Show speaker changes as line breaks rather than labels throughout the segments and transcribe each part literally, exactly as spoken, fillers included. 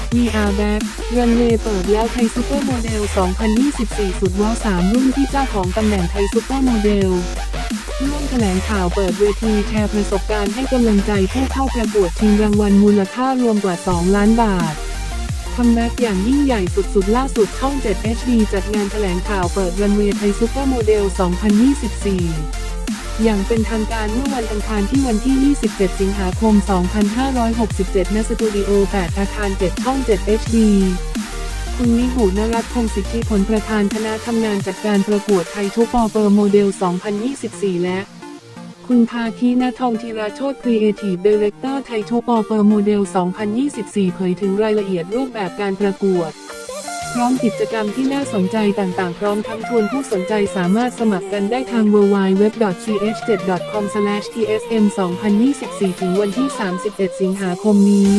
We Are Back รันเวย์เปิดแล้วไทยซูเปอร์โมเดล สองพันยี่สิบสี่ สุดว้าวสามรุ่นที่เจ้าของตำแหน่งไทยซูเปอร์โมเดลร่วมแถลงข่าวเปิดเวทีแชร์ประสบการณ์ให้กำลังใจผู้เข้าประกวดชิงรางวัลมูลค่ารวมกว่า สอง ล้านบาทคัมแบ็กอย่างยิ่งใหญ่สุดๆล่าสุดช่อง เจ็ด เอช ดี จัดงานแถลงข่าวเปิดรันเวย์ไทยซูเปอร์โมเดล สองพันยี่สิบสี่ อย่างเป็นทางการเมื่อวันอังคารที่วันที่ ยี่สิบเจ็ด สิงหาคม สองพันห้าร้อยหกสิบเจ็ด ณ สตูดิโอ แปด อาคาร เจ็ด ช่อง เจ็ด เอช ดี คุณนิหุนรัตน์ พงศ์สิทธิผลประธานคณะทำงานจัดการประกวดไทยทูปอเปอร์โมเดล สองพันยี่สิบสี่ และ คุณภาคีณทองธีราโชติครีเอทีฟไดเรคเตอร์ไทยทูปอเปอร์โมเดล สองพันยี่สิบสี่ เผยถึงรายละเอียดรูปแบบการประกวดพร้อมกิจกรรมที่น่าสนใจต่างๆพร้อมทั้งชวนผู้สนใจสามารถสมัครกันได้ทาง ดับเบิลยู ดับเบิลยู ดับเบิลยู ดอท ซี เอช เจ็ด ดอท คอม สแลช ที เอส เอ็ม สองพันยี่สิบสี่ ถึงวันที่ สามสิบเอ็ด สิงหาคมนี้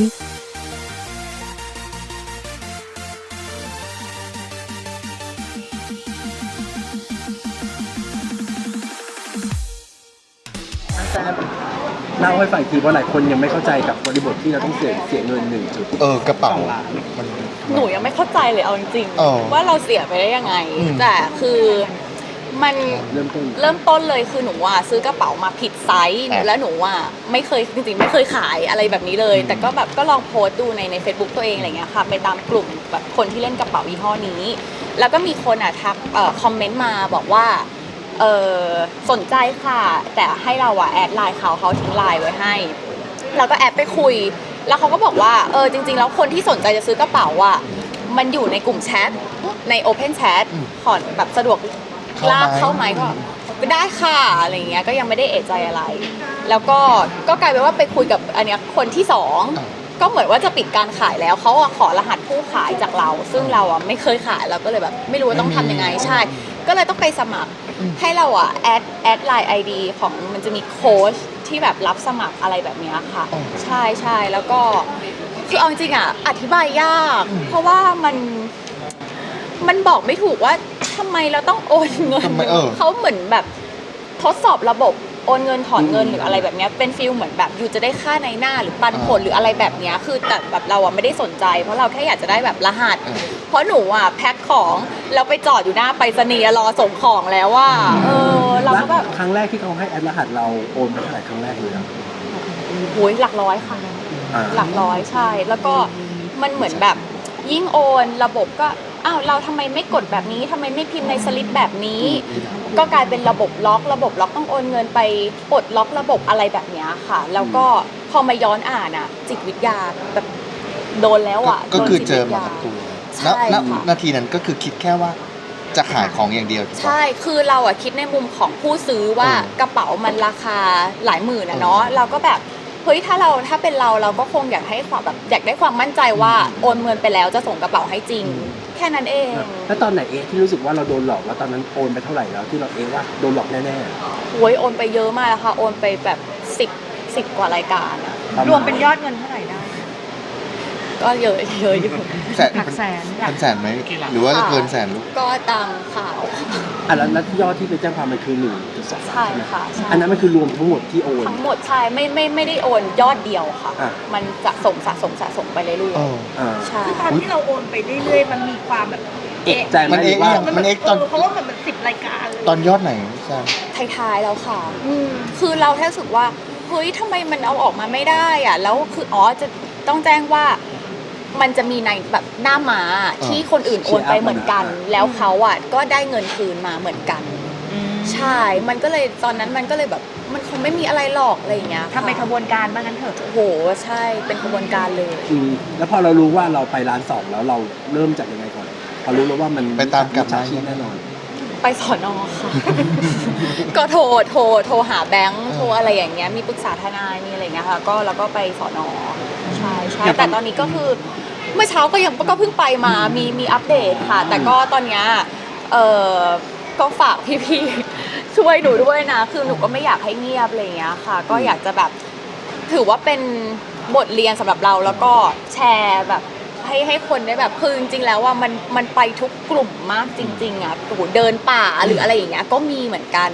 เล่าให้ฟังทีว่าหลายคนยังไม่เข้าใจกับบริบทที่เราต้องเสียเสียเงินหนึ่งจุด
เออกระเป๋ามัน
หนูยังไม่เข้าใจเลยเอาจริง
เออ
ๆว่าเราเสียไปได้ยังไง
อืม
แต่คือมัน
เริ่มต้น
เริ่มต้นเลยคือหนูว่าซื้อกระเป๋ามาผิดไซส์
อ่ะ
แล้วหนูว่าไม่เคยจริงๆไม่เคยขายอะไรแบบนี้เลย แต่ก็แบบก็ลองโพสต์ดูในใน Facebook ตัวเองอะไรเงี้ยค่ะไปตามกลุ่มแบบคนที่เล่นกระเป๋ายี่ห้อนี้ แล้วก็มีคนอ่ะทักเอ่อคอมเมนต์มาบอกว่าเออสนใจค่ะแต่ให้เราอะแอดไลน์เขาเขาทิ้งไลน์ไว้ให้เราก็แอดไปคุย แล้วเขาก็บอกว่าเออจริงๆแล้วคนที่สนใจจะซื้อกระเป๋าอ่ะมันอยู่ในกลุ่มแชทใน Open Chat
อืม
ขอแบบสะดวก
เข้าไหม
ลากเข้าไหมก็ก็ได้ค่ะอะไรเงี้ยก็ยังไม่ได้เอะใจอะไร แล้วก็ก็กลายเป็นว่าไปคุยกับอันเนี้ยคนที่สอง
อ่า
ก็เหมือนว่าจะปิดการขายแล้วเขาอะขอรหัสผู้ขายจากเรา ซึ่งเราอะไม่เคยขายเราก็เลยแบบไม่รู้ว่าต้องทำยังไงใช่ ก็เลยต้องไปสมัครให้เราอะแอดแอดไลน์ไอดีของมันจะมีโค้ชที่แบบรับสมัครอะไรแบบเนี้ยค่ะ
อ๋อ
ใช่ใช่แล้วก็คือเอาจริงๆอะอธิบายยาก เพราะว่ามันมันบอกไม่ถูกว่าทำไมเราต้องโอนเงิน
ทำไมเออ
เขาเหมือนแบบทดสอบระบบโอนเงินถอนเงินหรืออะไรแบบเนี้ยเป็นฟิลเหมือนแบบอยู่จะได้ค่าในหน้าหรือปันผลหรืออะไรแบบเนี้ยคือแต่แบบเราอะไม่ได้สนใจ เพราะเราแค่อยากจะได้แบบรหัส
เออ
เพราะหนูอะแพ็คของแล้วไปจอดอยู่หน้าไปรษณีย์รอส่งของแล้วว่าเออเราก็แบบ
ครั้งแรกที่เขาให้แอดรหัสเราโอนไปเท่าไหร่ครั้งแรกเลยครับ
โอ้ยหลักร้อยค่ะ
อ่า
หลักร้อยใช่ แล้วก็มันเหมือนแบบยิ่งโอนระบบก็อ้าวเราทำไมไม่กดแบบนี้ทำไมไม่พิมพ์ในสลิปแบบนี้ ก็กลายเป็นระบบล็อกระบบล็อกต้องโอนเงินไปปลดล็อกระบบอะไรแบบเนี้ยค่ะ แล้วก็พอมาย้อนอ่านอ่ะ จิตวิทยาแบบโดนแล้วอ่ะ
ก็คือ
โดน
เจ
จิต
อ
วิท
มา
ยา
กับตัว
ใช่
ณณ
ค่ะ
นาทีนั้นก็คือคิดแค่ว่าจะขายของอย่างเดียวถูกปะ
ใช่ คือเราอะคิดในมุมของผู้ซื้อว่า
เออก
ระเป๋ามันราคาหลายหมื่นอะเนาะ
เออ
เราก็แบบเฮ้ยถ้าเราถ้าเป็นเราเราก็คงอยากให้ความแบบอยากได้ความมั่นใจว่าโอนเงินไปแล้วจะส่งกระเป๋าให้จริง แค่นั้นเอง
แล้วตอนไหนเอะที่รู้สึกว่าเราโดนหลอกแล้วตอนนั้นโอนไปเท่าไหร่แล้วที่เราเอะว่าโดนหลอกแน่
โอ้ยโอนไปเยอะมากแล้วค่ะ โอนไปแบบสิบสิบกว่ารายการอะ
ๆปะาณ
รวมเป็นยอดเงินเท่าไหร่ได้
ก็เยอะเยอะอยู่
แสน
หลักแสนหลั
เป็
ก
นแสนไหมหรือว่าเกินแสนลูก
ก็ตามข่าว
อ่ะแล้วแล้วยอดที่ไปแจ้งความมันคือหนึ่งจุดสอง
ใช่ค่ะใช่
อันนั้นมันคือรวมทั้งหมดที่โอน
ทั้งหมดใช่ไม่ไม่ไม่ได้โอนยอดเดียวค่ะ
อ่ะ
มันจะสมสะสมสะสมไปเรื่อย
เออ
อ่า
ๆใช่
คือตอนที่เราโอนไปเรื่อยๆ มันมีความแบบ
เอะใจไหม
มัน
หรื
เอ๊ะ
ว่า
ยัง มันเกตอน
เพราะว่ามันมันสิบรายการเลย
ตอนยอดไหนใช่
ท้ายๆแล้วค่ะ
อืม
คือเราแค่รู้สึกว่าเฮ้ยทำไมมันเอาออกมาไม่ได้อะแล้วคืออ๋อจะต้องแจ้งว่ามันจะมีในแบบหน้าม้าที่คนอื่นโอนไปเหมือนกัน แล้วเขาอ่ะก็ได้เงินคืนมาเหมือนกัน ใช่ มันก็เลยตอนนั้นมันก็เลยแบบมันคงไม่มีอะไรหรอกอะไรอย่างเงี้ย
ทำเป็นขบวนการบ้างงั้นเถอะ
โอ้โหใช่เป็นขบวนการเลย
อืมแล้วพอเรารู้ว่าเราไปร้านสองแล้วเราเริ่มจากยังไงก่อนพอรู้แล้วว่ามัน
ไปตามกลับ
จา
มา
ชีพแน่นอน
ไปสอนอค่ะ ก็โทรโทรโทรหาแบงค์โทรอะไรอย่างเงี้ยมีปรึกษาทนายมีอะไรอย่างเงี้ยค่ะก็แล้วก็ไปสอนอใช่ใช่
อย่าง
แต่ตอนนี้ก็คือเมื่อเช้าก็ยังก็เพิ่งไปมามีมีอัปเดตค่ะ แต่ก็ตอนเนี้ยเออก็ฝากพี่ๆ ช่วยหนูด้วยนะ คือหนูก็ไม่อยากให้เงียบอะไรอย่างเงี้ยค่ะ ก็อยากจะแบบถือว่าเป็นบทเรียนสำหรับเราแล้วก็แชร์แบบให้ให้คนได้แบบคือจริงๆแล้วว่ามันมันไปทุกกลุ่มมากจริงๆอ่ะโอ้โหเดินป่าหรืออะไรอย่างเงี้ยก็มีเหมือนกัน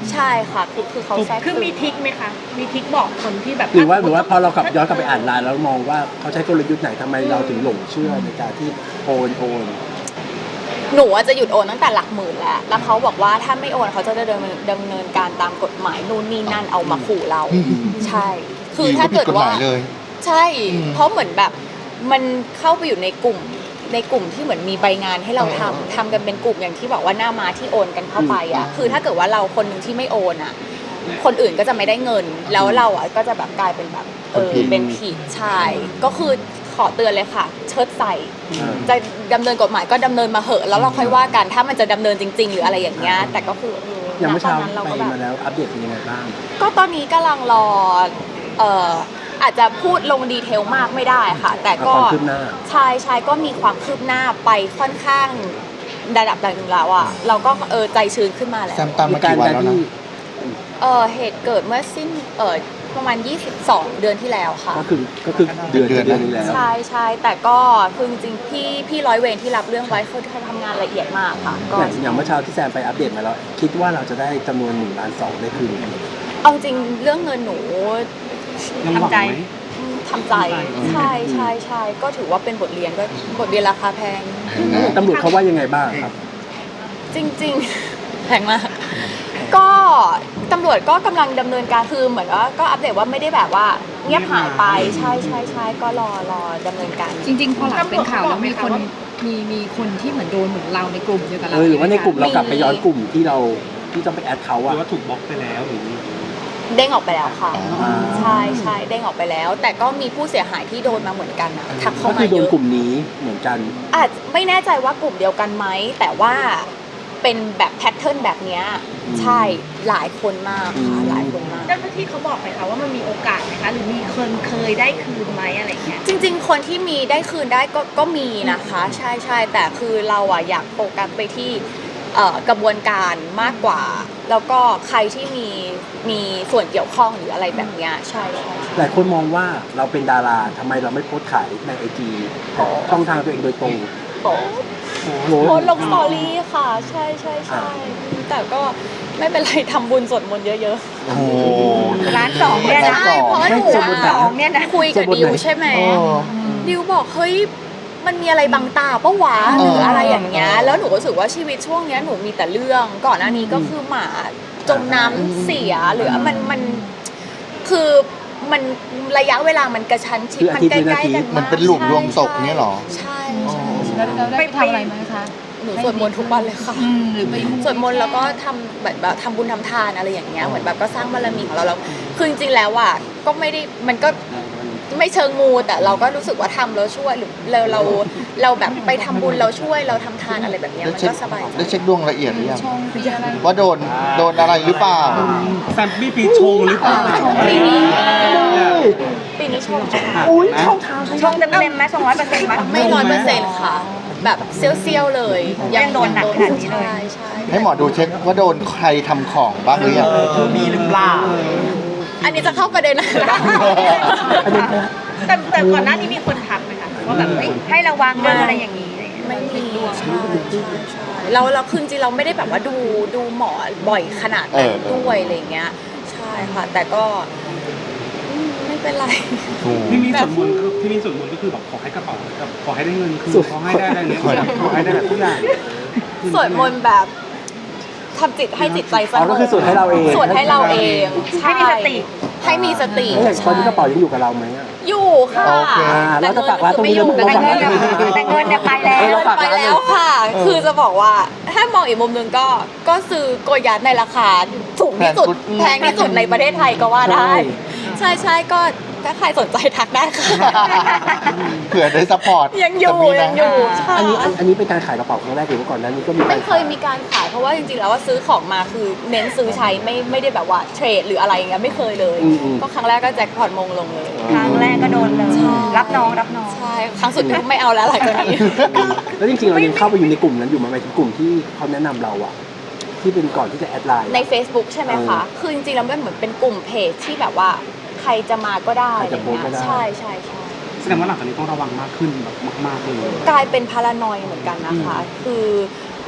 ใช่ค่ะคือคือเขาแทรก
คือมีทริคไหมคะ มีทริคบอกคนที่แบบ
หรือว่าหรือว่าพอเรากลับย้อนกลับไปอ่านไลน์แล้วมองว่าเขาใช้กลยุทธ์ไหนทำไมเราถึงหลงเชื่อในการที่โอนโอน
หนูอะจะหยุดโอนตั้งแต่หลักหมื่นแล้วแล้วเขาบอกว่าถ้าไม่โอนเขาจะดำเนินดำเนินการตามกฎหมายนู่นนี่นั่นเอามาขู่เรา
อืม
ใช่ คือถ้าเกิดว่า
ผิฎหมยเลย
ใช่
อืม
เพราะเหมือนแบบมันเข้าไปอยู่ในกลุ่มในกลุ่มที่เหมือนมีใบงานให้เราทำ
เออ
ทำกันเป็นกลุ่มอย่างที่บอกว่าหน้าม้าที่โอนกันเข้าไปอ่ะ
อืม
คือถ้าเกิดว่าเราคนหนึ่งที่ไม่โอนอ่ะ คนอื่นก็จะไม่ได้เงิน แล้วเราอ่ะก็จะแบบกลายเป็นแบบเออเป็นผิดใช่ก็คือขอเตือนเลยค่ะ เชิดใส่
อ่า
จะดำเนินกฎหมายก็ดำเนินมาเหอะแล้วเราค่อยว่ากันถ้ามันจะดำเนินจริง ๆ หรืออะไรอย่างเงี้ยแต่ก็คือเออ
อย่างเมื่อเช้า
ณตนนั้นเรา
ไป
ก็แบบ
มาแล้วอัปเดตเป็นยังไงบ้าง
ก็ตอนนี้กำลังรอเอ่ออาจจะพูดลงดีเทลมากไม่ได้ค่ะ แต่ก็
ความคืบหน้า
ใช่ใช่ก็มีความคืบหน้าไปค่อนข้างระดับหนึ่งแล้วอ่ะเราก็เออใจชื้นขึ้นมาแล้ว
แซมตามมากี่วันแล้วนะ
เออเหตุเกิดเมื่อสิ้นเออประมาณยี่สิบสองเดือนที่แล้วค่ะ
ก็คือก็คือเดือน
เดือน
เดือนนี้แล้ว
ใช่ใช่แต่ก็คือจริงๆพี่พี่ร้อยเวรที่รับเรื่องไว้เขาทำงานละเอียดมากค่ะก็
อย่างอย่างเมื่อเช้าที่แซมไปอัปเดตมาแล้ว คิดว่าเราจะได้จำนวนหนึ่งล้านสองได้คืนไหม
เอาจริงเรื่องเงินหนู
ทำใจ
ทำใจใช่ใช่ใช่ก็ถือว่าเป็นบทเรียนก็บทเรียนราคาแพง
ตำรวจเขาว่ายังไงบ้างครับ
จริงๆ แพงมาก ก็ตำรวจก็กำลังดำเนินการคือเหมือนว่าก็อัปเดตว่าไม่ได้แบบว่าเงียบหายไปใช่ใช่ใช่ก็รอรอดำเนินการ
จริงๆ พอหลังเป็นข่าวแล้วมีคน
ตำรวจบอกไหมคะว่า
มีมีคนที่เหมือนโดนเหมือนเราในกลุ่มเดียวกับ
เอ
เรา
อหรือว่าในกลุ่มเรา
มี
กลับไปย้อนกลุ่มที่เราที่ต้องไปแอดเขา
ห
อะ
รือว่าถูกบล็อกไปแล้วหรือ
เด้งออกไปแล้วค่ะ
อ่า
ใช่ใช่เด้งออกไปแล้ว แต่ก็มีผู้เสียหายที่โดนมาเหมือนกันอะทักเข้า
ก็
มา
คือโด
เย
น
อะ
กลุ่มนี้เหมือนกัน
อาจไม่แน่ใจว่ากลุ่มเดียวกันไหมแต่ว่าเป็นแบบแพทเทิร์นแบบเนี้ยใช่หลายคนมากค่ะหลายคนมาก
เจ้าหน้าที่เขาบอกไหมคะว่ามันมีโอกาสไหมคะ หรือมีคนเคยได้คืนไหมอะไรเงี้ย
จริงๆ คนที่มีได้คืนได้ก็ก็มีนะคะ ใช่ใช่แต่คือเราอะอยากโฟกัสไปที่เอ่อกระบวนการมากกว่า แล้วก็ใครที่มีมีส่วนเกี่ยวข้องหรืออะไรแบบเนี้ยใช่ใช่ใช่
หลายคนมองว่าเราเป็นดาราทำไมเราไม่โพสต์ขายในไอจีช่องทางตัวเองโดยตรง
โอ้
โอ้
โพสต์ลงสตอรี่ค่ะ ใช่ใช่ใช่แต่ก็ไม่เป็นไรทำบุญสวดมนต์เยอะ
โอ้โห
ร้านสองเนี่ย
ๆ
นะ
ใช่เพราะว่าหนู
ร้านสองเนี่ยนะ
คุยกับดิวใช่ไหม
เออ
ดิวบอกเฮ้ยมันมีอะไรบังตาปะวะ
เออ
หรืออะไรอย่างเงี้ยแล้วหนูรู้สึกว่าชีวิตช่วงเนี้ยหนูมีแต่เรื่องก่อนหน้านี้ก็คือหมาจมน้ำเสียหรือมันมันคือมันระยะเวลามันกระชั้นชิดมันใกล้ๆกัน
มั
มาก
นเป็นหลุมรวมศพเนี่ยเหรอ
ใช่ใช่ใช่
แล้วเราได้ไปทำอะไรไหมคะ
หนูสวดมนต์ทุกวันเลยค่ะ
อืมหรือไป
สวดมนต์แล้วก็ทำแบบแบบทำบุญทำทานอะไรอย่างเงี้ยเหมือนแบบก็สร้างบารมีของเราแล้วคือจริงๆแล้วอ่ะก็ไม่ได้มันก็ไม่เชิงมูแต่เราก็รู้สึกว่าทำแล้วช่วยหรือเราเราเราแบบไปทำบุญเราช่วยเราทำทานอะไรแบบเนี้ย
ได้
มัน
เช็ค
ก็สบายใจ
ได้เช็คดวงละเอียดหรือยัง
ช่องปีอะไร
ว่าโดนโดนอะไรหรือเปล่า
แซมปี้ปีชงหรือเปล่า
ปีนี้ปีนี้ชม
อุ้ยช่องทาง
ชงเต็มเต็มๆไหมสองร้อยเปอร์เซ็นต์ไหม
ไม่ร้อยเปอร์เซ็นต์ค่ะ แบบเซี่ยวๆเลย
ยังโดนหนักขนาดนี้เลย
ใช่ใช่
ให้หมอดูเช็คว่าโดนใครทำของบ้างหรือยัง
มีหรือเปล่า
อันนี้จะเข้าประเด็นอะไรบ้าง
แต่แต่ก่อนหน้านี้มีคนทักไหมคะว่าแบบเฮ้ยให้ระวังเรื่องอะไรอย่างนี้อะไรเงี้ย
ไม่มีใช่ใช่ใช่เราเราคือจริงๆเราไม่ได้แบบว่าดูดูหมอบ่อยขนาดนั้นด้วยอะไรเงี้ยใช่ค่ะ แต่ก็อืมไม่เป็นไร
พี่มีส่วนมนต์ก็พี่มีส่วนมนต์ก็คือแบบขอให้กระเป๋ากับขอให้ได้เงินคืนขอให้ได้อะไรเงี้ยขอให้ได้แบบทุกอย่าง
สวดมนต์แบบทำจิตให้จิตใจส
อ๋อง ก็
บ
คือสวดให้เราเอง
สวดให้เราเองใช่
ให้มีสติ
ให้มีสติ
แล้วอย่างตอนนี้กระเป๋ายังอยู่กับเราไหมอะ
อยู่ค่ะ
โอเค
อ่าเราจะฝากร้านตรงนี้แล้ว
แต่
เรา
เงิ
ฝาก
น
ร้านตรงนี้
แต่เงินเนี่ยไปแล้ว
เออเราฝาก
ไป
ร้าน
แล้วค่ะ คือจะบอกว่าถ้ามองอีกมุมหนึงก็ก็ซื้อโกยัดในราคาสูงที่สุดแพงที่สุดในประเทศไทยก็ว่าได้ ใช่ใช่ก็ถ้าใครสนใจทักได้ค่ะ
เผื่อได้ซัพพอร์ต
ยังอยู่
จะมีนะ
ยังอยู่ใช่
อันนี้อันอันนี้เป็นการขายกระเป๋าครั้งแรกหรือว่าก่อนหนั้นนี้ก็มีการ
ไม่เคยมีการขายเพราะว่าจริงๆแล้วว่าซื้อของมาคือเน้นซื้อใช้ไม่ไม่ได้แบบว่าเทรดหรืออะไรอย่างเงี้ยไม่เคยเลย
อืมอืม
ก็ครั้งแรกก็แจ็คพอตมงลงเลย
ครั้งแรกก็โดนเลย
ใช่
รับน้องรับน้อง
ใช่ครั้งสุดท้ายไม่เอาแล้วหลังจากนี้
แล้วจริงๆเรายังเข้าไปอยู่ในกลุ่มนั้นอยู่ไหมหมายถึงกลุ่มที่เขาแนะนำเราอะที่เป็นก่อนที่จะแอดไลน์
ใน Facebook ใช่ไหมคะ
เออ
คือจริงๆแล้วมันเหมือนเป็นกลุ่มเพจที่แบบว่าใครจะมาก็ได้
ใคร
อะไร
จะโพสต์
เงี้
ก็
ย
ได้
ใช่ใช่ใช่
แสดงว่าหลังจากนี้ต้องระวังมากขึ้นแบบมากๆเลย
กลายเป็นพารานอยเหมือนกันนะคะ คือ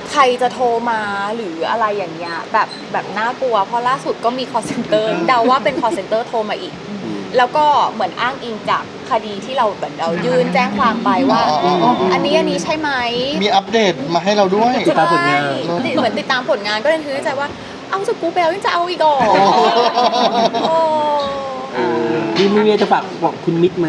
ใครจะโทรมาหรืออะไรอย่างเงี้ยแบบแบบน่ากลัวเพราะล่าสุดก็มี call center เดาว่าเป็น call center โทรมาอีก แล้วก็เหมือนอ้างอิงจากคดีที่เราเหมือนเรายื่นแจ้งความไปว่า
อ๋ออ๋ออ๋ออั
อันนี้อันนี้ใช่ไหม
มีอัปเดตมาให้เราด้วย
ติดตามผลงาน
ใช่เหมือนติดตามผลงานก็เลยคิดในใจว่าเอาสกู๊ปไปแล้วยังจะเอาอีกเหรอโอ้
มีมีเมียจะฝากบอกคุณมิกไหม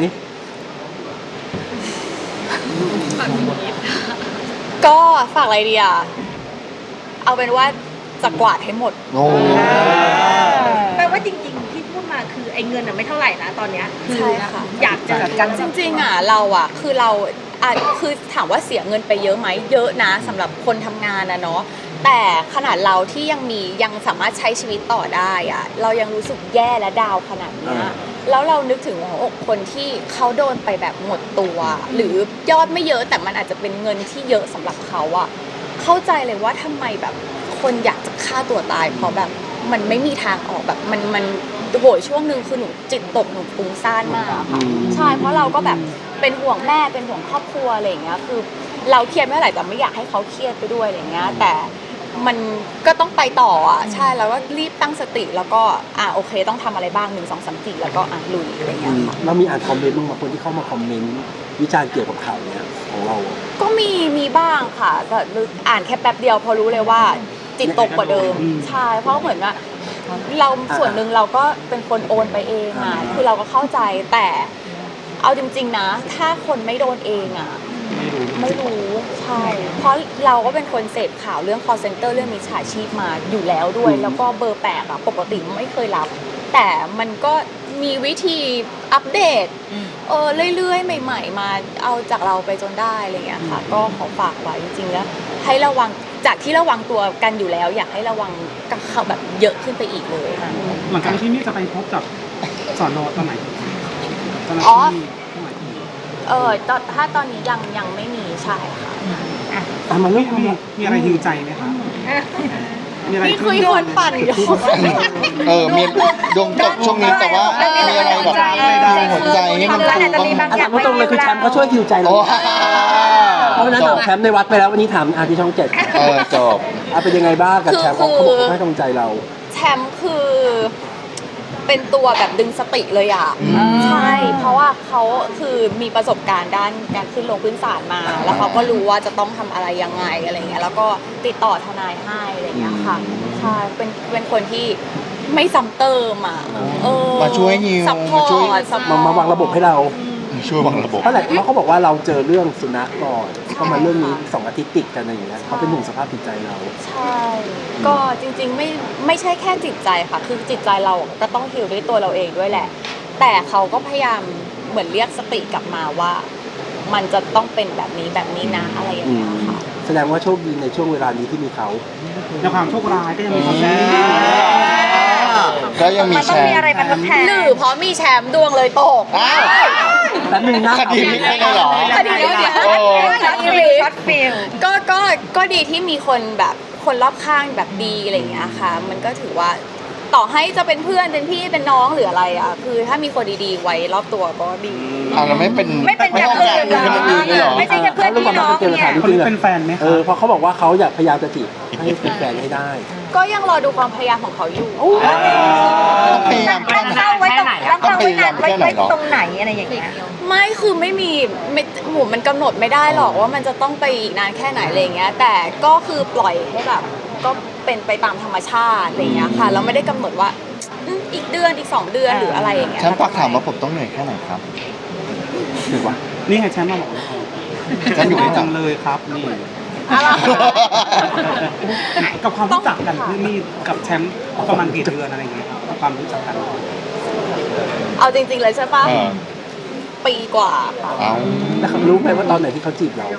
ก็ฝากอะไรดีอ่ะเอาเป็นว่าจะกวาดให้หมด
โอ้
แปลว่าจริงๆที่พูดมาคือไอ้เงินอะไม่เท่าไหร่นะตอนเนี้ยคือ
ใช่ค่ะ
อยากจะ
จริงๆอ่ะเราอ่ะคือเราอ่ะคือถามว่าเสียเงินไปเยอะไหมเยอะนะสำหรับคนทำงานนะเนาะแต่ขนาดเราที่ยังมียังสามารถใช้ชีวิตต่อได้อ่ะเรายังรู้สึกแย่และดาวขนาดเนี้ยแล้วเรานึกถึงหัวอกคนที่เขาโดนไปแบบหมดตัว หรือยอดไม่เยอะแต่มันอาจจะเป็นเงินที่เยอะสำหรับเขาอ่ะเข้าใจเลยว่าทำไมแบบคนอยากจะฆ่าตัวตายเพราะแบบมันไม่มีทางออกแบบมันมันโหยช่วงหนึ่งคือหนูจิตตกหนูฟุ้งซ่านมากอะค่ะใช่เพราะเราก็แบบเป็นห่วงแม่เป็นห่วงครอบครัวอะไรอย่างเงี้ยคือเราเครียดไม่เท่าไหร่แต่ไม่อยากให้เขาเครียดไปด้วยอะไรอย่างเงี้ยแต่มันก็ต้องไปต่ออ่ะใช่แล้วก็รีบตั้งสติแล้วก็อ่ะโอเคต้องทำอะไรบ้างหนึ่งสองสามสี่แล้วก็อ่ะลุยอะไรอย่างเงี้ยค่ะ
เรามีอ่านคอมเมนต์บ้างไหมคนที่เข้ามาคอมเมนต์วิจารณ์เกี่ยวกับข่าวเนี้ยของเราอะ
ก็มีมีบ้างค่ะแต่อ่านแค่แป๊บเดียวพอรู้เลยว่าจิตตกกว่าเดิมใช่เพราะเหมือนว่าเราส่วนหนึ่งเราก็เป็นคนโอนไปเองอ่ะคือเราก็เข้าใจแต่เอาจริงๆนะ ถ้าคนไม่โดนเองอ่ะไม่รู้ใช่เพราะเราก็เป็นคนเสพข่าวเรื่อง call center เรื่องมิจฉาชีพมาอยู่แล้วด้วย แล้วก็เบอร์แปลกอ่ะปกติไม่เคยรับ แต่มันก็มีวิธีอัปเดตเออเรื่อยๆ ใหม่ ๆ มาเอาจากเราไปจนได้อะไรเงี้ยค่ะ ก็ขอฝากไว้จริงๆแล้วให้ระวังจากที่ระวังตัวกันอยู่แล้ว อยากให้ระวังกับเขาแบบเยอะขึ้นไปอีกเลยค่ะ
หลังจากที่มี่จะไปพบกับสอนอตอนไหนตอนนั้น
อ๋อ
ที่เท่าไหร่
เออตอนถ้าตอนนี้ยังยังไม่มีใช่ค่ะ
อ่ะมันเรื่องความ
มี
รัก
มีอะไรฮิวใจไหมคะมีอะไร
นี่คือคนปั่นอยู่
เออมีดวงตกช่วงนี้แต่ว่ามีอะไรแบบหัวใจให้มันฟูบ้าง
อ่ะถามตรงๆเลยคือแชมป์เขาช่วยคิวใจเรา
โอ้
เพราะฉะนั้น
จ
ถา
บ
มแชมป์ในวัดไปแล้ววันนี้ถามอาที่ช่องเจ็ด
เออจบ
อ่ะเป็นยังไงบ้างกับแชมป์เขาเขาบอกเขาให้กำลังใจเรา
แชมป์คือเป็นตัวแบบดึงสติเลยอ่ะ ใช่ เพราะว่าเขาคือมีประสบการณ์ด้านการขึ้นลงพื้นศาลมา แล้วเขาก็รู้ว่าจะต้องทำอะไรยังไงอะไรเงี้ย แล้วก็ติดต่อทนายให้อะไรเงี้ยค่ะ ใช่ เป็นเป็นคนที่ไม่ซ้ำเติมอ่ะเออ
มาช่วยฮิว
ซัพพอ
มาช่วย
ร์ตซัพพอ
มา
ร์ต
มาวางระบบให้เรา
ช่วยวางระบบ
เพราะอะไรเพราะเขาบอกว่าเราเจอเรื่องสุนัขก่อนก็มาเรื่องนี้สองอาทิตย์ติดกันอะไรอย่างเงี้ยเขาเป็นห่วงสภาพจิตใจเรา
ใช่ ก็จริงๆไม่ไม่ใช่แค่จิตใจค่ะ คือจิตใจเราก็ต้องฮีลด้วยตัวเราเองด้วยแหละ แต่เขาก็พยายามเหมือนเรียกสติกลับมาว่า มันจะต้องเป็นแบบนี้แบบนี้นะอะไรอย่าง
อื
เงี้
ม
ยค่ะ
แสดงว่าโชคดีในช่วงเวลานี้ที่มีเขา
ในความโชคร้ายก็ยังมีความดี
ก็ยังมี
มัน
แช
ต้อง
ร์
มีอะไรมาทดแทน
หรือเพราะมีแชมป์ดวงเลยตก
อ้าว
แป๊บนึงนะ
คดีไม่ใช่เลยเหรอ
คดีเดี๋ยวเดี๋ยว
โอ้
ช็อตฟิลช็อตฟิล
ก็ก็ก็ดีที่มีคนแบบคนรอบข้างแบบดีอะไรอย่างเงี้ยค่ะ มันก็ถือว่าต่อให้จะเป็นเพื่อนเป็นพี่เป็นน้องหรืออะไรอ่ะ คือถ้ามีคนดีๆไว้รอบตัวก็ดี
อ่าเราไม่เป็น
ไม่เป็นอย่างอื่นเหรอ
ไม่เป็นอย่างอื่นเลยเหรอ
ไม่ใช่แค่เพื่อนพี่น้องเนี่ย
คนนี้เป็นแฟนไหม
เอ
คะ
อเพราะเขาบอกว่าเขาอยากพยายามจะจีบให้เป็นแฟนให้ได้
ก็ยังรอดูความพยายามของเขาอยู่
ต้องพยายาม
ตั้งเป้าไว้ตรงตั้งเป้าไว้นานไว้ไว้ตรงไหนอะไรอย่างเงี้ย
ไม่คือไม่มีไม่หมูมันกำหนดไม่ได้หรอกว่ามันจะต้องไปอีกนานแค่ไหนอะไรเงี้ย แต่ก็คือปล่อยให้แบบก็เป็นไปตามธรรมชาติอะไรเงี้ยค่ะ เราไม่ได้กำหนดว่าอืมอีกเดือนอีกสองเดือนหรืออะไรอย่างเงี้ย
ฉันฝากถามว่าผมต้องเหนื่อยแค่ไหนครับ
ถือว่า
นี่ไงแชมป์มาบอก
ฉันอยู่ข้างหลั
จั
ง
งเลยครับนี่
อะไร
กับความรู้จักกันที่นี่กับแชมป์ประมาณกี่เดือนอะไรอย่างเงี้ยครับความรู้จักกัน
เอาจริงๆเลยใช่ปะ
เออ
ปีกว่าค่ะ
เอา
แล้วเขารู้ไหมว่าตอนไหนที่เขาจีบเรา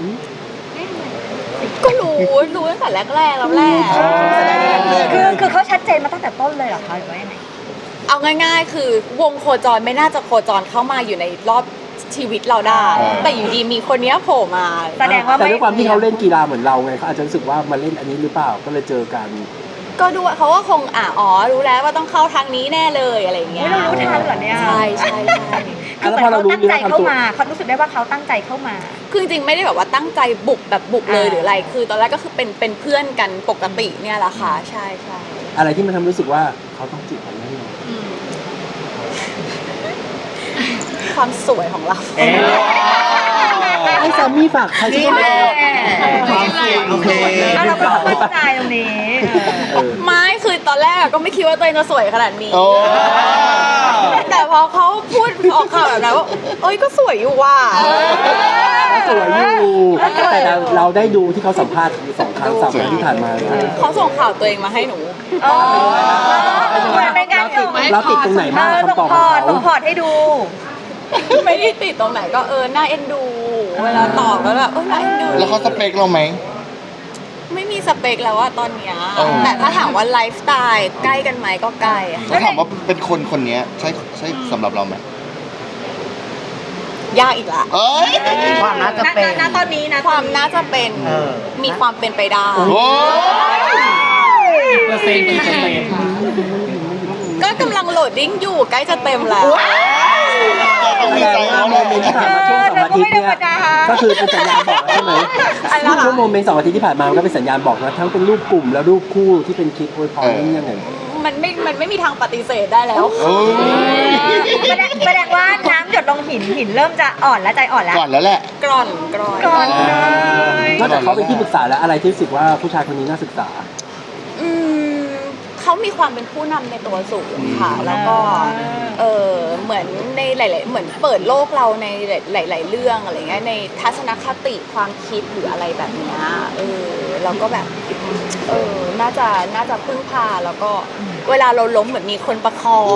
ก็รู้รู้ตั้งแต่แรกๆแล้วแหละ
คือคือเขาชัดเจนมาตั้งแต่ต้นเลยเหรอคะหรือว่ายังไง
เอาง่ายๆ คือวงโคจรไม่น่าจะโคจรเข้ามาอยู่ในรอบชีวิตเราได้ แต่อยู่ดีมีคนเนี้ยโผล่มา
แสดงว่า
แต่
ไม่
ด้วยความที่เขาเล่นกีฬาเหมือนเราไงเขาอาจจะรู้สึกว่ามาเล่นอันนี้หรือเปล่าก็เลยเจอกัน
ก็ดูเขาก็คงอ่ะอ๋อรู้แล้วว่าต้องเข้าทางนี้แน่เลยอะไรอย่างเงี้ย
เรารู้ทันเหรอเนี่ย
ใช่ใช่ใช่
คือเหมือนเขาตั้งใจเข้ามาเขารู้สึกได้ว่าเขาตั้งใจเข้ามา
คือจริงๆไม่ได้แบบว่าตั้งใจบุกแบบบุกเลยหรืออะไร คือตอนแรกก็คือเป็นเป็นเพื่อนกันปกติเนี่ยแหละค่ะใช่ใช่
อะไรที่มันทำให้รู้สึกว่าเขาต้องจีบเราแน่นอน
ความสวยของเรา
ให้แซมมี่ฝากใครที่ไม่รู้
โอเค
แล้วเราก็เข้าใจตรงนี้
เออ
ไม่คือตอนแรกก็ไม่คิดว่าตัวเองจะสวยขนาดนี้
โอ้
แต่พอเขาพูดออกข่าวแบบนั้นว่าเอ้ยก็สวยอยู่ว่ะ
เขาสวยอยู่แต่เราเราได้ดูที่เขาสัมภาษณ์สองครั้งสามครั้งที่ผ่านมา
เขาส่งข่าวตัวเองมาให้หนู
เออเหมือนเป็นการส่ง
เราติดตรงไหนบ้าง
เออส่ง
คำตอบ
พ
ของ
อร์ต
เขา
ส่งพอร์ตให้ดู
ไม่ได้ติดตรงไหนก็เออน่าเอ็นดู เวลาตอบแล้วแบบเออน่าเอ็นดู
แล้วเขาสเปคเราไหม
ไม่มีสเปคแล้วว่าตอนเนี้ย
เออ
แต่ถ้าถามว่าไลฟ์สไตล์ใกล้กันไหมก็ใกล้อะ
แล้วถามว่าเป็นคนคนนี้ใช่ใช่สำหรับเราไหม
ยากอีกละ
เอ้ย
ความน่าจะเป็น
ณตอนนี้นะ
ความน่าจะเป็น
เออ
มีความเป็นไปได้
โอ้ย
เปอร์เซ็นต์กี่เปอร์เซ็นต์
ก็กำลังโหลดดิ้งอยู่ใกล้จะเต็มแล้ว
ต้องมี
แสด
ใจ
งว่า
เขา
โม
เลย
เมนต์ที่ผ่านมาช่วงสองอาทิตย์เนี่ยก็คือเป็นสัญญาณบอกใช่ไหม
อะไรนะคะ
ช่วงโมเมนต์สองอาทิตย์ที่ผ่านมามันก็เป็นสัญญาณบอกนะทั้งเป็นรูปกลุ่มและรูปคู่ที่เป็นคลิปอวยพรนี่ยังไง
มันไม่ มันไม่มีทางปฏิเสธได้แล้ว
โอ้ย
แสดงแสดงว่าน้ำหยดลงหินหินเริ่มจะอ่อนแล้วใจอ่อนแล้ว
ก่อนแล้วแหละ
กร่อนกร่อน
ก่อนเลย
นอกจากเขาเป็นที่ปรึกษาแล้วอะไรที่รู้สึกว่าผู้ชายคนนี้น่าศึกษา
อืมเขามีความเป็นผู้นำในตัวสูงค่ะ แล้วก็ เออเหมือนในหลาย ๆ เหมือนเปิดโลกเราในหลาย ๆ เรื่องอะไรเงี้ย ในทัศนคติความคิดหรืออะไรแบบเนี้ยเออเราก็แบบ เออ น่าจะ น่าจะพึ่งพา แล้วก็เวลาเราล้มเหมือนมีคนประคอง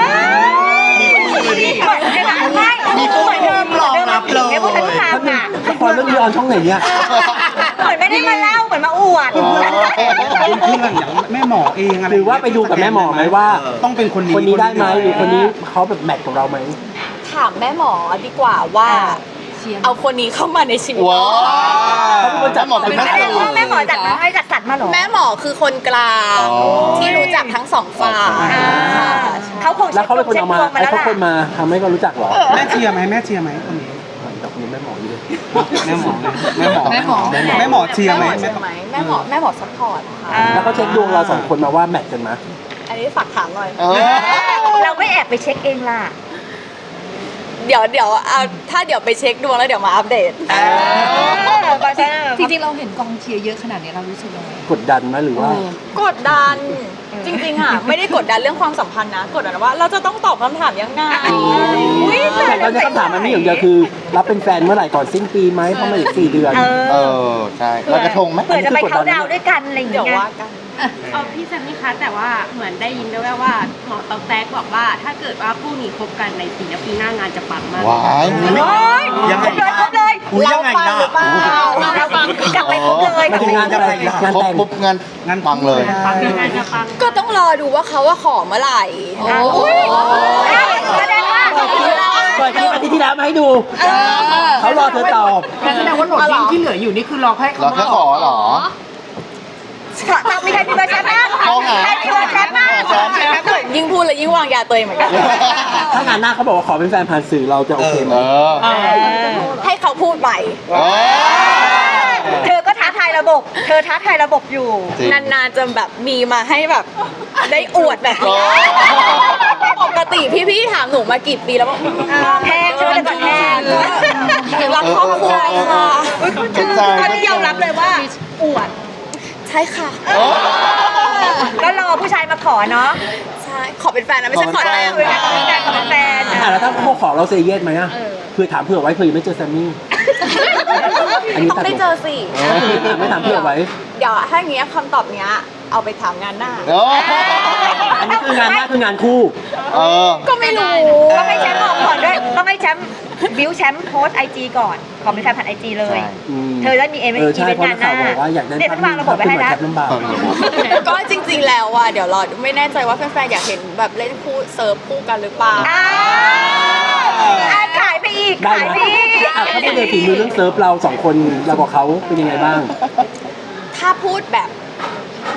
ไม่มีผู้เหมือนเดิมรองรับเลยไม่พูดทันทางอ่ะ
ละครเรื่องนี้ออนช่องไหนเนี่ย
เหมือนไม่ได้มาเล่าเหมือนมาอวด
เพื่อนอย่างแม่หมอเองอะไร
หรือว่าไปดูกับแม่หมอไหมว่า
ต้องเป็นคนนี้
คนนี้ได้ไหมหรือคนนี้เขาแบบแมทกับเราไหม
ถามแม่หมอดีกว่าว่า
เชียร์
เอาคนนี้เข้ามาในชีวิต
ว้าว
เขาเป็นคนจัด
หมอเป็น
แส
แม่
ดงว่าแม่หมอจัดมาให้จัดสรรมาเหรอ
แม่หมอคือคนกลาง
อ๋อ
ที่รู้จักทั้งสองฝ่าย
อ่า
ค่ะ
เขาคง
แล้วเขาเป็นคนเอามา
ช็ดดวง
ไอ้
แล้ว
เขา
ล่ะ
คนมาทำให้เขารู้จักเหรอ
แม่เชียร์ไหมแม่เชียร์ไหมคนนี้
แต่คนนี้แม่หมออยู่เลย
แม่หมอแม่หมอ
แม่หมอ
แม่หมอแม่หมอเชียร์ไหม
แม่หมอเชียร์ไหมแม่หมอแม่หมอซัพพอร์ตค่ะ
อ่า
แล้วเขาเช็คดวงเราสองคนมาว่าแมทกันไหม
อันนี้ฝากถามหน่อย
เออ
เราไม่แอบไปเช็คเองล่ะ
เดี๋ยวเดี๋ยวเอาถ้าเดี๋ยวไปเช็คดวงแล้วเดี๋ยวมาอัปเดต
จริงๆเราเห็นกองเชียร์เยอะขนาดนี้เรารู้สึกยังไง
กดดันไหมหรือว่า
กดดัน จริงๆอ่ะไม่ได้กดดันเรื่องความสัมพันธ์นะ กดดันว่าเราจะต้องตอบคำถามยังไง
อุ๊ย
แต่ตอนนี้คำถามมันมีอย่างเดียวคือ รับเป็นแฟนเมื่อไหร่ก่อนสิ้นปีไหมเพราะมันอีกสี่เดือน
เอ
เอ
อ
อ ใช่ลอยกระทงไหม
เผื่อจะไปเขาน์ดาวน์ด้วยกันอะไรอย่าง
เดี๋ยว
เงี้ย
ว่ากัน
เอาพี่แซมมี่คะแต่ว่าเหมือนได้ยินด้วยว่าหมอตอกแตกบอกว่า ถ้าเกิดว่าคู่นี้คบกันในปีนี้ปีหน้างานจะปังมาก
ว้าย
โอ้ย
ยังไง
ครบเลย
อุ๊ยยังไงล่ะ
เราฟังกลับไปครบเลย
มันคืองานอะไรงาน
ครบ
แต่ง
ปุ๊บงานงานปังเลย
ปังงานจะปัง
ก็ต้องรอดูว่าเขาว่าขอเมื่อไหร่
โอ้ยแสดงว่า
เปิดคลิปอาทิตย์ที่แล้วมาให้ดู เขารอเธอตอบ
งั้นแสดงว่าโหลดดิ้งที่เหลืออยู่นี่คือรอให้
เราแค่ขอเหรอ
เรามีใครมีเบอร์แชทบ้าง
เขาหา
ใครมีเบอร์แชทบ้าง
ยิ่งพูดเลยยิ่งวางยาตัวเองเหมือนกัน
ถ้างานหน้าเขาบอกว่าขอเป็นแฟนผ่านสื่อเราจะโอเคไหม
เออ
ให้เขาพูดไป
เออ
เธอก็ท้าทายระบบ เธอท้าทายระบบอยู่
จริง
นานๆจะแบบมีมาให้แบบได้อวดแบบนี้ปกติพี่ๆถามหนูมากี่ปีแล้วว่า
แพงใช่ไหมแต่ก่อนแพง
รักครอบครัวค่ะ
เข้าใจ
ตอนนี้ยอมรับเลยว่าอวด
ใช่ค่ะ
ก็รอผู้ชายมาขอเนาะ
ใช่ ขอเป็นแฟนนะไม่ใช่ขอ
ขอ
แต่
เป็
ง
นแฟ
คุยกันขอเป็นแฟน
อ่ะแล้วถ้าเขาขอเราเซเยสไหมอ่ะเพื่อถามเผื่อไว้เผื่อยังไม่เจอแซมมี่ อันนี้
ต้องได้เจอสิ
ไม่ถามเผื่อไว้
เดี๋ยวถ้าอย่างเงี้ยคำตอบเนี้ยเอาไปถามงานหน้า
เออ
อันนี้คืองานหน้าคืองานคู่
เออ
ก็ไม่รู้
ต้องให้แชมป์บอกก่อนด้วย ต้องให้แชมป์บิวแชมป์โพสไอจีก่อน ขอเป็นแฟนผ่านไอจีเลย
ใช่
เธอจะมีเอ็น
เออ
อี
ใช่
เวน
เพราะ
ต์งาน
นัก
ห น้า
ข่าวบอกว่าอยากได้
เนี่ยฉันวางระบบไว้
เป็น
ให้
เหมือน
แล้ว
แคปลำบาก
ก็จริงๆแล้วอ่ะเดี๋ยวรอไม่แน่ใจว่าแฟนๆอยากเห็นแบบเล่นคู่เซิร์ฟคู่กันหรือเปล่า
อ้าวอ่ะขายไปอีก
ได้
ขาย
ไหม
ไปอีก
อ่ะถ้าไม่ได้ฝีมือเรื่องเซิร์ฟเราสองคนเรากับเขาเป็นยังไงบ้าง
ถ้าพูดแบบ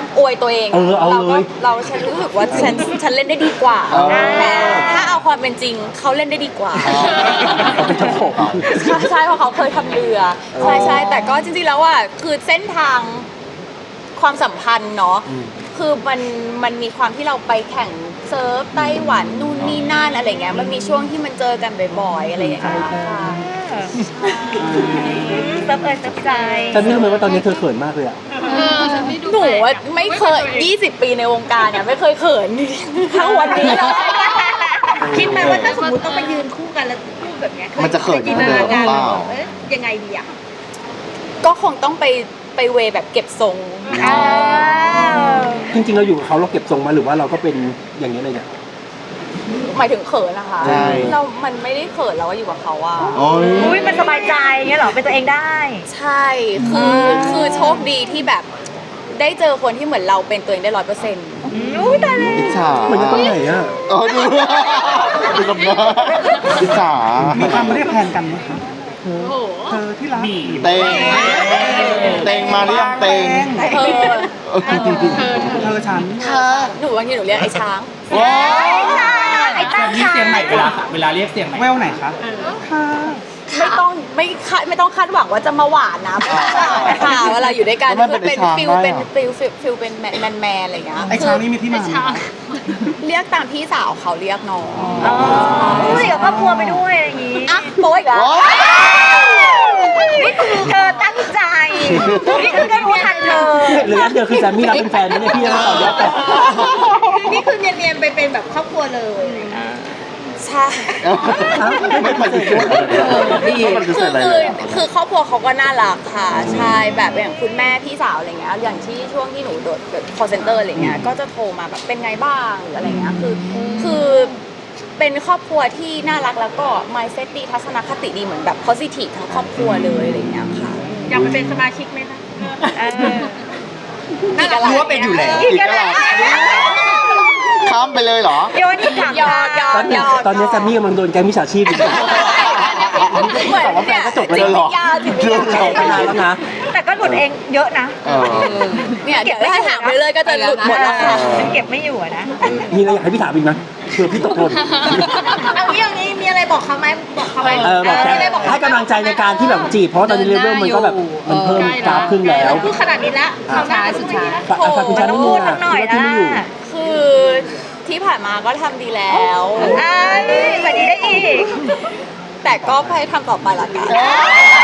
อวยตัวเอง
เออเอา
เรา
เล
ก็
ย
เราฉันรู้สึกว่าฉันฉันเล่นได้ดีกว่า
เออ
แต่ถ้าเอาความเป็นจริงเขาเล่นได้ดีกว่า
เขาเป็นเจ้าของ
ใช่ใช่เพราะเขาเคยทำเรือใช่ใช่แต่ก็จริงๆแล้วอ่ะคือเส้นทางความสัมพันธ์เนาะคือมันมันมีความที่เราไปแข่งเซิร์ฟไต้หวันนู่นนี่นั่นอะไรเงี้ยมันมีช่วงที่มันเจอกันบ่อยๆอะไรอย่างเงี้ยค่ะ
เซิร์ฟเอยเซิร์ฟใจ
ฉันไม่รู้เลยว่าตอนนี้เธอเขินมากเลยอ่ะ
หนูว่าไม่เคยยี่สิบปีในวงการเนี่ยไม่เคยเขินเท่าวันนี้เลย
คิดไหมว่าถ้าสมมติต้องไปยืนคู่กันแล้วพูดแบบเนี้ย
มันจะเขิน
จิน
เหมื
ต
อนเดิ
นาม การ
เปล่า
เอ้ยยังไงดีอ่ะ
ก็คงต้องไปไปเวแบบเก็บทรง
จริงๆเราอยู่กับเขาเราเก็บทรงมาหรือว่าเราก็เป็นอย่างนี้เลยเนี่ย
หมายถึงเขินนะคะ
ใช่
เรา มันไม่ได้เขินเราว่าอยู่กับเขาอะ
โอ้ย
อุ้ยมันสบายใจเงี้ยเหรอเป็นตัวเองได้
ใช่ คือคือโชคดีที่แบบได้เจอคนที่เหมือนเราเป็นตัวเองได้ร้อยเปอร์เซ็นต์
อุ้ยตายแล้ว
อิจฉา
เหมือนจะต้องไหนอ่ะ
เออดูดูกับหน้าอิจฉา
มีคำเรียกแทนกันไหมคะเธอเธอที่รัก
เตงเตงมาหรือยังเตง
เธอ
เออ
เธอฉัน
เธอหนูบางทีหนูเรียกไอ้ช้าง
ว้าว
ไอ้ตั้ง
มีเสียงไหนเวลาเวลาเรียกเสียงไหน
แววไหนคะ
ไม่ต้องไม่คาดไม่ต้องคาดหวังว่าจะมาหวานนะไม่ต้องค่ะเวลาอยู่ด้วยกัน
แล้วมัน
คือ
เป็น
เป็น
ไอ้ช้าง
ฟิล
ได้
เป็น
เหรอ
ฟิลฟิลฟิลเป็นแมนแมนอะไรอย่างเงี้ย
ไอ้ช้างนี่มีที่มาไหม
เรียกตามพี่สาวเขาเรียกน้อง
อ๋ออุ้ยกับครอบครัวไปด้วยอะไรอย่างงี้
อ่ะโป๊ยอีกแล้ว
ว้าว
นี่คือเธอตั้งใจ นี่คือก็รู้ทันเธอ
หรืออันเดียวคือแซมมี่รับเป็นแฟนไหมเนี่ยพี่ยังไม่ต่อยอดต่อ
นี่คือเนียนๆไปเป็นแบบครอบครัวเลย
ใช่
ไม่ปฏิเสธไม่ปฏิเส
คื
ธ
อ
อะไร
คื
เล
อย
อะ
คือครอบครัวเขาก็น่ารักค่ะ ใช่แบบอย่างคุณแม่พี่สาวอะไรเงี้ยอย่างที่ช่วงที่หนูโดดแบบ call center อะไรเงี้ยก็จะโทรมาแบบเป็นไงบ้างหรืออะไรเงี้ยคือคือเป็นครอบครัวที่น่ารักแล้วก็ mindset ดีทัศนคติดีเหมือนแบบ positive ทั้งครอบครัวเลยอะไรเงี้ยค่ะ
อยากไปเป็นสมาชิกไหมคะ
เออ
อีกอะไร
รู้ว่าเป็นอยู่แล้ว
อีกกระดาษข้ามไปเลยเหรอ
โยนที่ถาม
ยอดยอ
ตอ
ด
นนี้
ยอด
ตอนนี้แซมมี่กำลังโดนแก๊งมิจฉาชีพอยู่
เหมือนเนี่ย
ก็จบไป
จิต
แล้ว
วิทยาจิตวิทยา
ออกไปนานแล้วนะ
แต่ก็หลุดเองเยอะนะ
เออ
เนี่ยเดี๋ยวถ้าถามไปเลยก็จะหลุดหมดแล้วค่ะ
ฉันเก็บไม่อยู่อะนะ
มีอะไรอยากให้พี่ถามอีกไหมเผื่อพี่ตกหล่น
เอางี้เอางี้มีอะไรบอกเขาไหมบอกเขาไหม
เออบอกแค่
มีอะไรบอกเขา
ให้กำลังใจในการที่แบบจีบเพราะตอนนี้เลเวลมันก็แบบมันเพิ่มกราฟขึ้นแล้ว
พูดขนาดนี้ละ
อ่ะ
ทำได้สุดท้าย
ฝากฝากคุณชา
ต้
นุ
อง
มู
พูด
ล
สักหน่อย
ที่
นะ
ไม่อยู่
คือที่ผ่านมาก็ทำดีแล้ว
อ้ายแบบนี้ได้อีก
แต่ก็พยายามทำต่อไปละกัน
เอ้ย